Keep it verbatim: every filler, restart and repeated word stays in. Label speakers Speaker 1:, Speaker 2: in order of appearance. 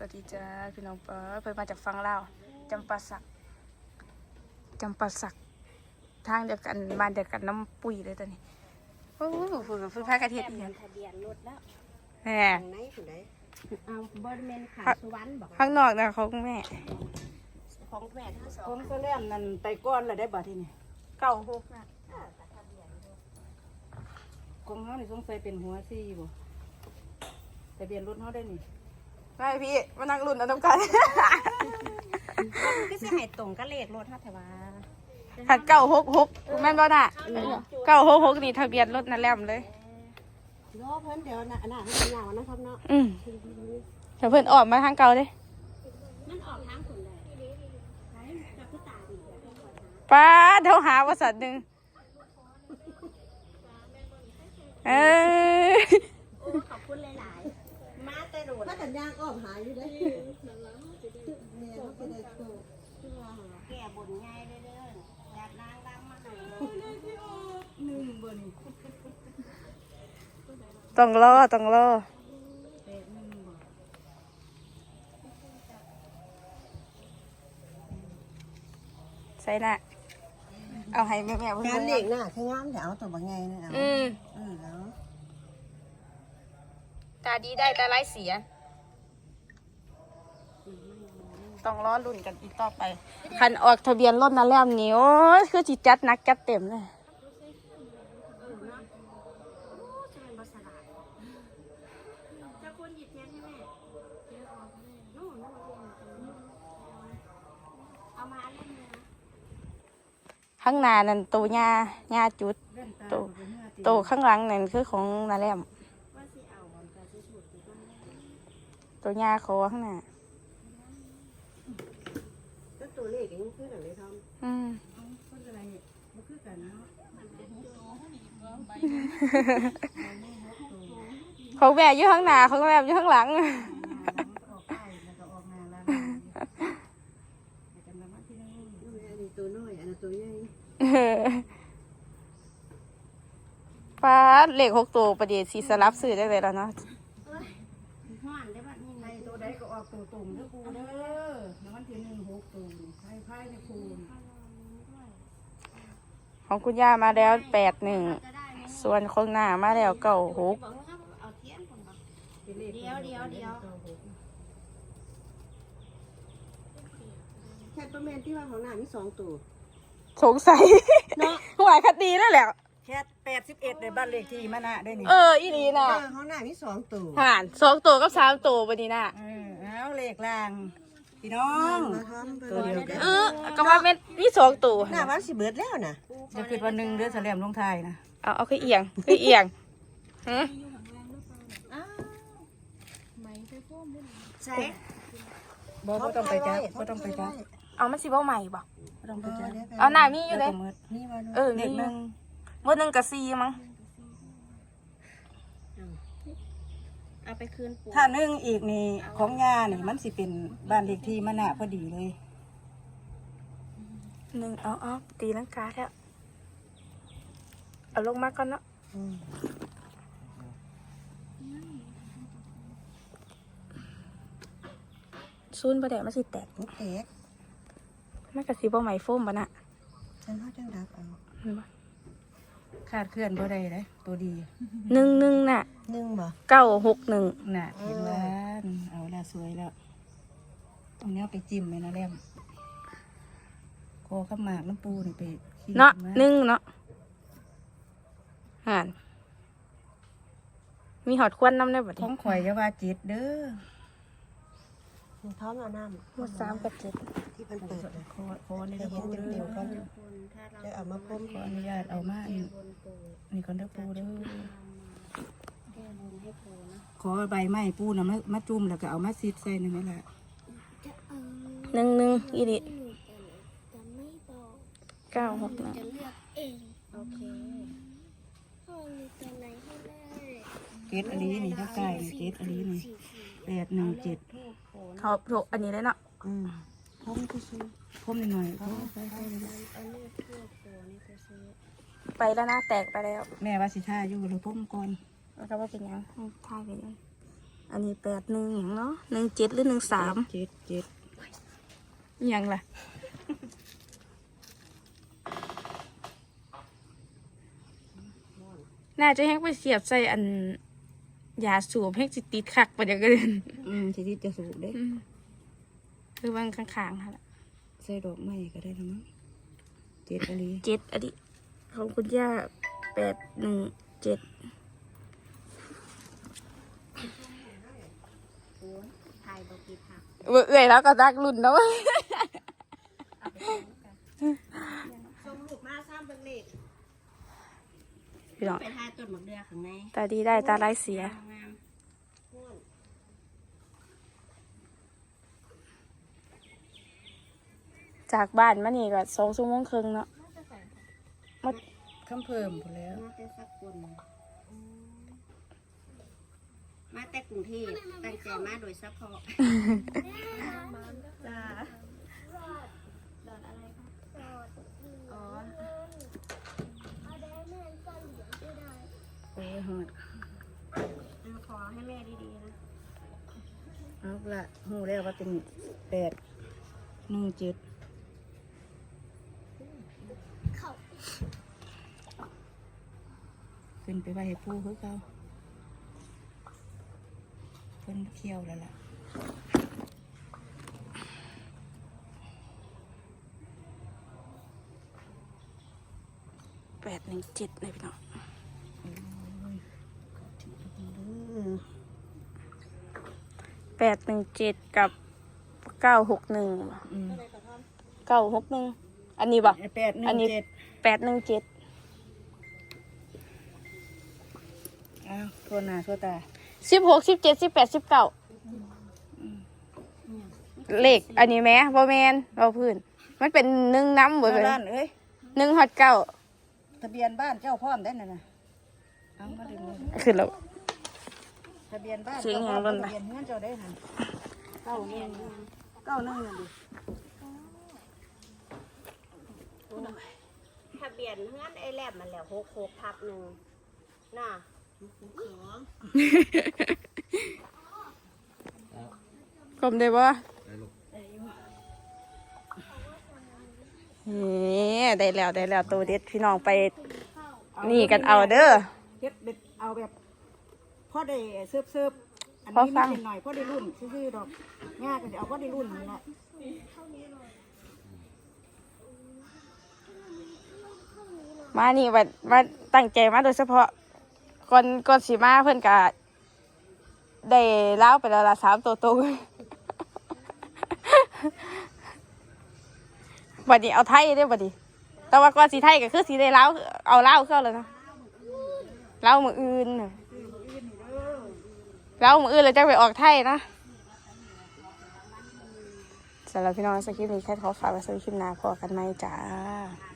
Speaker 1: วัสดีจ้าพี่น้องเปิ้ลเพิ่นมาจากฟังลาวจำปาสักจำปาสักทางเดียวกันบ้านเดียวกันน้ำปุ๋ยเลยตอนนี้โอ้โหฝึกฝึกพากระเทียมอีกอย่าง
Speaker 2: ทะเบียนรถแล้ว
Speaker 1: แหม
Speaker 2: ทางไหนผู้ใดเอาบริเวณขาสุวรรณบอก
Speaker 1: ข้างนอกนะเขาแม่
Speaker 2: ของแม่ทั้งสอ
Speaker 3: ผ
Speaker 2: ง
Speaker 3: มก็เล่นนั่นไปก้อนเลยได้บัดทีนี้
Speaker 1: เก่าหกนะ
Speaker 3: กงเขานี่สงสัยเป็นหัวซี่บ่ทะเบียนรถเขาได้นี่
Speaker 1: ไม่พี่มานั่งรุ่นเอาต้องกัน
Speaker 2: ก็จะให้ตรงก็เลขรถฮะแต่ว่า
Speaker 1: หัดเก่าหกหกแม่นบ่น่ะเก่าหกหกนี่ทะเบียนรถนั่นแหลมเลย
Speaker 2: รอเพิ่นเดี๋ยวน่ะน่ะให้ยาวนะครับเนาะ
Speaker 1: อืมเดี๋ยวเพิ่นออกมาทางเก่าเลย
Speaker 2: มันออกทางคนใดไหนจับผู้ตาดี
Speaker 1: ป้าเดี๋ยวหาว่าสัตว์หนึ่งเออ
Speaker 2: โอ้ขอบคุณหลายๆมาแต่โดด
Speaker 4: ถ้ากันยางอ้อมหายอยู่ได้แม่เขาไปได้โต
Speaker 2: แก่บนใหญ่เด้อๆแบบนางรำมาหน่อย
Speaker 3: หนึ่งบ่นี่
Speaker 1: ต้องรอต้องรอ
Speaker 3: แปดหนึ่งบ่
Speaker 1: ใส่น่ะเอาให้แม่แม่เพิ่น
Speaker 4: การ
Speaker 1: เบิ่ง
Speaker 4: เด็กน่ะคืองามแต่เอาตัวบางไงนะเอา
Speaker 1: อืม
Speaker 4: เออแล้ว
Speaker 1: ตาดีได้ตาร้ายเสีย ต้องรอรุ่นกันอีกต่อไปคันออกทะเบียนรถนั่นแล้วนี่โอ้ยคือจิจัดหนักจัดเต็มเลย
Speaker 2: จะควรหยิบเทียนให้แม่นู่นเอามาเล่นเลยนะ
Speaker 1: ข้างหน้านั่นตัวหญ้าหญ้าจุด
Speaker 3: เล่นตา
Speaker 1: โต
Speaker 3: บ่เป็นเมื่อตี
Speaker 1: ตัวข้างหลังนั่นคือของนาแลม
Speaker 2: ว่าสิเอาบอลกระสุดหรือว่า
Speaker 1: ตัวหญ้าคอข้างหน้า
Speaker 4: ก็ตัวเลขเองคือหนังเลยทอม
Speaker 1: อืม
Speaker 3: เอาคนอะไรบ่คือกันเนาะ
Speaker 1: ของแม่อยู่ข้างหน้าของแม่อยู่ข้างหลัง
Speaker 3: ออกไปแล้วก็ออกมาแล้วไปกันมาที่นึง
Speaker 4: อันนี้ตัวน้อยอันนี้ตัวใหญ่
Speaker 1: ป้าดเลขหกตัวประเดี๋ยวสีสลับซื้อได้เลยแล้วเนาะ
Speaker 2: ห้อนได้ป่ะนี่
Speaker 3: ในตัวใดก็ออกตัวตุ่มเด้อกูเด้อในวันที่หนึ่งหกตุ่มไพ่ไพ่ในคูณ
Speaker 1: ของคุณย่ามาแล้วแปดหนึ่ง
Speaker 2: จะได้ไหม
Speaker 1: ส่วนของหน้ามาแล้วเก้าหก
Speaker 2: บอกว่าเอาเทียนคนบอก
Speaker 3: เป็นเลข
Speaker 2: เดี๋ยวเดี๋ยวเดี๋ยว
Speaker 4: แค่ประมาณที่ว่าของหน้ามีสองตัว
Speaker 1: สงสัย
Speaker 4: เนาะ
Speaker 1: หวยคดีแล้วแหละ
Speaker 3: แค่แปดสิบเอ็ดในบ้านเลขที่มานะได้นี่
Speaker 1: เอออีนีน่ะ
Speaker 4: เออของหน้ามีสองตัว
Speaker 1: ห่านสองตัวกับสามตัวปะนี่น่ะ
Speaker 3: เออเอาเลขล่างพี่น้อง
Speaker 4: มาทอม
Speaker 3: ตัวเดียวกัน
Speaker 1: เออก็ว่าเป็นนี่สองตัว
Speaker 4: หน้าวันสิเบิดแล้วนะ
Speaker 3: จะคิดวันหนึ่งเดือนแสลมลงไทายนะ
Speaker 1: เอาเอาคือเอียงคือเอียงฮะ
Speaker 2: ใช่
Speaker 3: บอกว่าต้องไปจ้าก็ต้องไปจ้า
Speaker 1: เอามันสิบ่ใหม่บ่
Speaker 3: ก็ต้องไปจ้า
Speaker 1: เอาหน้ามีอยู่เลย
Speaker 4: นี่ว่า
Speaker 1: เออ
Speaker 3: เล
Speaker 1: มี
Speaker 3: ข
Speaker 1: อ
Speaker 3: ห
Speaker 1: ยู่
Speaker 3: นึ่ง
Speaker 1: วันหนึ่งกับสี่มั้ง
Speaker 2: เอาไปคืนปู่
Speaker 3: ถ้าหนึ่งอีกนี่ของยานี่มันสิเป็นบ้านเลขที่มานะพอดีเลย
Speaker 1: หนึ่งเอาเอาตีลังกาแล้วเอาลงมาก่อนเนาะซูนประเดี๋ยวมันสิแตก
Speaker 4: ลูกเอ็ก
Speaker 1: มันกับสีบ่ใหม่โฟมบ่น่ะ
Speaker 4: ฉันว่าจังดับเอา
Speaker 1: เห็นบ่
Speaker 3: ขาดเคลื่อนบ่ได้เลยตัวดี
Speaker 1: หนึ่งหนึ่งน่ะ
Speaker 4: หนึ่งบ่
Speaker 1: เก้าหกหนึ่ง
Speaker 3: น่ะเห็นว่าเอาละสวยแล้วตรงนี้เอาไปจิ้มเลยนะแรมคอข้าวหมากน้ำปูนี่ไปขี้
Speaker 1: เนาะ
Speaker 3: มา
Speaker 1: หนึ่งเนาะห่านมีหอดควันน้ำได้บ่
Speaker 3: ข
Speaker 1: ดิ
Speaker 3: องข่อยอยาว่าจิตเด้อ
Speaker 4: มันท้อมเอาน้ำ
Speaker 1: หมดสามกับเจ็ด
Speaker 4: ที่มันเปิดเลย
Speaker 3: ขอขอใน
Speaker 4: จะ
Speaker 3: เด้อ
Speaker 4: เห็น
Speaker 3: ปูเด้
Speaker 4: เต็ม
Speaker 3: อ
Speaker 4: ๆก่อน
Speaker 2: คนถ้าเรา
Speaker 4: จะเอามาพ่ม
Speaker 3: ขออนุญาตเอามาอันนี่ก่อนเด้อปูเด้อ
Speaker 2: แก้บนให้ปู่นะ
Speaker 3: ขอใบไม้ปูนะมามาจุ่มแล้วก็เอามาซีดใส่หนึ่งนี่แหละ
Speaker 1: หนึ่งหนึ่งอีดิ
Speaker 2: จะไม่บอก
Speaker 1: เก้าหกหนึ่ง
Speaker 2: จะเลือกเองโอเคพ่อมีตัวไหนให้ได้
Speaker 3: เจ็ดอันนี้นี่ถ้าใกล้นี่เจ็ดอันนี้นี่แปดหนึ่งเจ็ด
Speaker 1: เขาถูกอันนี้เลยเนาะ
Speaker 4: อืมพ่มก็ซื้อ
Speaker 3: พ่มหน่อยพ่มไปไปเลย
Speaker 2: เอาเลือกทั่วปู่นี่ไปซื้อ
Speaker 1: ไปแล้วนะแตกไปแล้ว
Speaker 3: แม่ว่าสิท่าอยู่หรือพ่มก่อน
Speaker 1: แล้วก็ว่าเป็นหยังให้ท่ายไปยังอันนี้แปดหนึ่งอย่างเนาะหนึ่งเจ็ดหรือหนึ่งสาม
Speaker 3: เจ็ดเจ็ด
Speaker 1: อย่างล่ะน่าจะให้ไปเสียบใส่อันยาสูบให้จิตติดคักไปเดี๋ยวก็เดิน
Speaker 3: อืมสิที่จะสูบเด้
Speaker 1: คือบางข้างๆค่ะ
Speaker 3: ใส่ดอกไม้ก็ได้แล้วมั้งเจ็ดอะไร
Speaker 1: เจ็ดอันนี้ของคุณย่าแปดหนึ่งเจ็ด
Speaker 2: ถ่ายบกีค่ะ
Speaker 1: เอื่อยแล้วก็ดักรุ่นแล้ว
Speaker 2: ชมลูกมาซ้ำเป็นเล็ก
Speaker 1: พี่น้อง
Speaker 2: ไปถ่ายต้นหมกเดือข้างใน
Speaker 1: ตาดีได้ตาไร้ายเสีย
Speaker 2: งาม
Speaker 1: จากบ้านมานี่ก็สองชั่วโมงครึ่งเนาะมา
Speaker 3: คำเพิ่มหมดแล้ว
Speaker 2: มาแต่สักคนมาแต่กรุงเทพตั้งใจมาโดยเฉพาะจ้าดอนอะไรคะอ๋อ
Speaker 3: โอ้ยหอด
Speaker 2: ขอให้แม่ดีๆนะ
Speaker 3: เอาละหูแล้วว่าเป็นแปดหนึ่งเจ็ดขึ้นไปไว้ให้ปูคือเขาเพิ่นเคี่ยวแล้วล่ะ
Speaker 1: แปดหนึ่งเจ็ดเลยพี่น้องแปดหนึ่งเจ็ดกับเก้าหกหนึ่ง
Speaker 3: อืม
Speaker 1: เก้าหกหนึ่งอันนี้บ่
Speaker 3: แปดหนึ่
Speaker 1: อัน
Speaker 3: ง
Speaker 1: นี้
Speaker 3: เจ็ด
Speaker 1: แปดหนึ่งเจ็ด
Speaker 3: อ้าวทั่วหน้าทั่วตา
Speaker 1: สิบหกสิบเจ็ดสิบแปดสิบเก้าเลขอันนี้แม่บ่แมนบ่พื้นมันเป็นหนึ่งน้ำเบิดเลย
Speaker 3: บ้านเอ้ย
Speaker 1: หนึ่งฮอดเก้า
Speaker 3: ทะเบียนบ้านเจ้าพร้อมได้น่ะนะเอามาดึงเลย
Speaker 1: ขึ้นแล้ว
Speaker 3: ทะเบียนบ้าน
Speaker 1: เสียง
Speaker 3: เจ้า
Speaker 1: อย่าง
Speaker 3: พร้อ
Speaker 1: นั้
Speaker 3: ม
Speaker 1: น
Speaker 3: ทะ
Speaker 1: น่ะ
Speaker 3: เบียนเฮือนเจ้าได้หันเก้าหนึ่งเก้าหนึ่งนั่นดิ
Speaker 2: ทะเบียนเฮือนไอ้แลบมันแล้วหกหกทับหนึ่งน่ะ
Speaker 1: กลมได้บ่นี่ได้แล้วได้แล้วตัวเด็ดพี่น้องไปนี่กันเอาเด้อ
Speaker 3: เฮ็ดเด็ดเอาแบบพอได้เสิร์ฟเสิร์ฟอัน
Speaker 1: พอ
Speaker 3: นี้
Speaker 1: ฟั
Speaker 3: มัน
Speaker 1: ง
Speaker 3: เป็นหน่อยพอได้รุ่นซื่อๆดอกง่ายก็จะเอาพอได้รุ่นนั่นแหละ
Speaker 1: มานี่ว่ามาตั้งใจมาโดยเฉพาะก่อนก่อนสิมาเพิ่นก็ได้เล่าวไปแล้วละสามตัวตรง บัดนี้เอาไทยได้อบัดนี้แต่ว่าก่อนสีไทยก็คือสีได้เล่าวเอาเล่าวเข้าเลยนะเล่าวมืออื่นน่ะเล่าวมืออื่นเลยจะไปออกไทยนะสำหรับพี่น้องสคริปต์นี้แค่ขอฝากไว้สำหรับคลิปหน้าพอกันไหมจ้า